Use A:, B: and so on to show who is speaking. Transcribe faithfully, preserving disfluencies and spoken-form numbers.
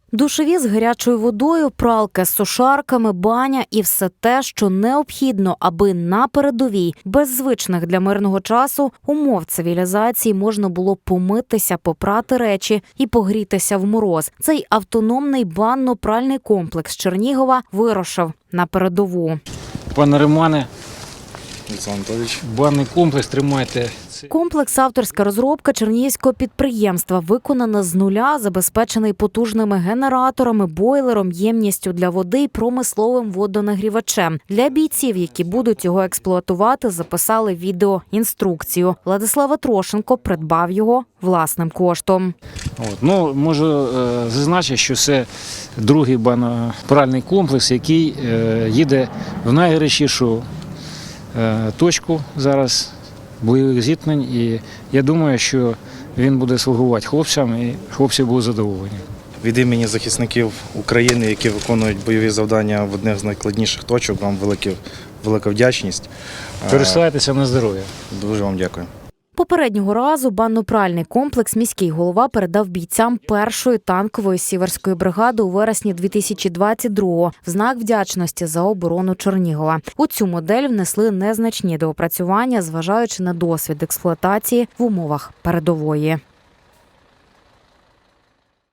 A: Душові з гарячою водою, пралки з сушарками, баня і все те, що необхідно, аби на передовій, без звичних для мирного часу умов цивілізації можна було помитися, попрати речі і погрітися в мороз. Цей автономний банно-пральний комплекс Чернігова вирушив на передову.
B: Пане Романе,
C: Олександр Анатолійович.
B: банний комплекс тримайте.
A: Комплекс – авторська розробка чернігівського підприємства, виконана з нуля, забезпечений потужними генераторами, бойлером, ємністю для води і промисловим водонагрівачем. Для бійців, які будуть його експлуатувати, записали відеоінструкцію. Владислав Трошенко придбав його власним коштом.
B: От. Ну, можу е, зазначити, що це другий банно-пральний комплекс, який е, їде в найгарячішу е, точку зараз бойових зіткнень. І я думаю, що він буде слугувати хлопцям, і хлопці будуть задоволені.
C: Від імені захисників України, які виконують бойові завдання в одних з найскладніших точок, вам велике, велика вдячність.
B: Користайтеся на здоров'я.
C: Дуже вам дякую.
A: Попереднього разу банно-пральний комплекс міський голова передав бійцям першої танкової сіверської бригади у вересні дві тисячі двадцять другого в знак вдячності за оборону Чернігова. У цю модель внесли незначні доопрацювання, зважаючи на досвід експлуатації в умовах передової.